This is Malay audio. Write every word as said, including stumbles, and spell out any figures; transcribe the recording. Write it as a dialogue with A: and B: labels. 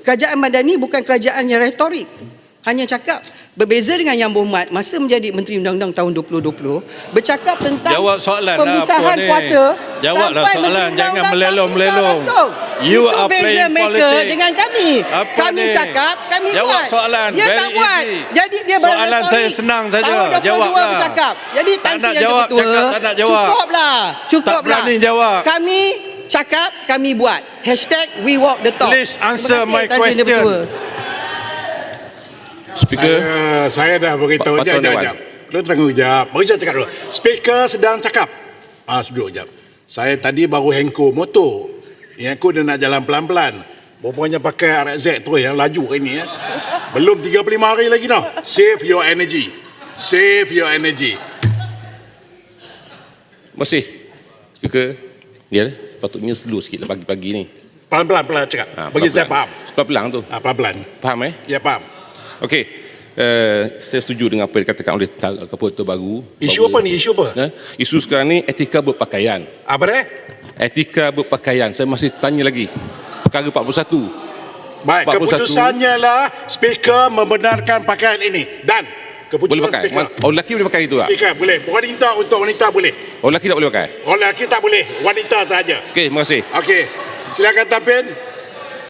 A: Kerajaan Madani bukan kerajaan yang retorik, hanya cakap. Berbeza dengan Yang Berhormat masa menjadi Menteri Undang-Undang tahun dua ribu dua puluh bercakap tentang
B: jawab soalan
A: pemisahan
B: lah,
A: kuasa.
B: Jawablah soalan, jangan melelong-melelong.
A: Itu
B: You are
A: beza
B: playing
A: mereka
B: politics
A: dengan kami.
B: Apa
A: kami
B: ni?
A: cakap, kami
B: Jawab
A: buat.
B: soalan,
A: Dia
B: very
A: tak buat.
B: easy.
A: Jadi dia
B: Soalan
A: berretorik.
B: saya senang saja.
A: Tahun dua ribu dua puluh dua
B: Jawablah.
A: bercakap. Jadi
B: Tak
A: Tan
B: nak
A: Sri Yang
B: jawab,
A: Ketua,
B: cakap tak nak jawab.
A: Cukuplah. Cukuplah.
B: Tak berani jawab.
A: Kami cakap, kami buat. Hashtag we walk the talk.
B: Please answer
A: Terima kasih,
B: my
A: Tan Sri Yang
B: question.
A: Ketua.
C: Speaker,
D: Saya, saya dah beritahu.
C: Pak
D: Jap,
C: Paduan
D: jap,
C: Dewan.
D: jap. Kau tunggu jap. Bagi saya cakap dulu. Speaker sedang cakap. Ah, duduk jap. Saya tadi baru hengko motor. Yang aku dia nak jalan pelan-pelan. Rupanya pakai R X Z tu yang laju hari ni. Eh. Belum tiga puluh lima hari lagi dah. Save your energy. Save your energy.
C: terima kasih. Speaker, ya, sepatutnya slow sikit lah pagi-pagi ni.
D: Pelan-pelan pelan cakap.
C: Ha,
D: Bagi saya faham.
C: Pelan-pelan tu.
D: Ah, pelan-pelan.
C: Faham eh?
D: Ya, faham.
C: Okey. Uh, saya setuju dengan apa yang dikatakan oleh Ketua Baru.
D: Isu
C: bahawa,
D: apa ni? Isu apa?
C: Eh, isu sekarang ni etika berpakaian.
D: Apa dia?
C: Etika berpakaian. Saya masih tanya lagi. Perkara empat puluh satu.
D: Baik,
C: empat puluh satu.
D: keputusannya lah speaker membenarkan pakaian ini. Dan keputusan
C: Boleh pakai.
D: speaker.
C: Oh, lelaki boleh pakai itu tak?
D: Speaker boleh. Wanita untuk wanita boleh.
C: Oh, lelaki tak boleh pakai?
D: Orang lelaki tak boleh. Wanita saja.
C: Okey, terima kasih.
D: Okey. Silakan tampil.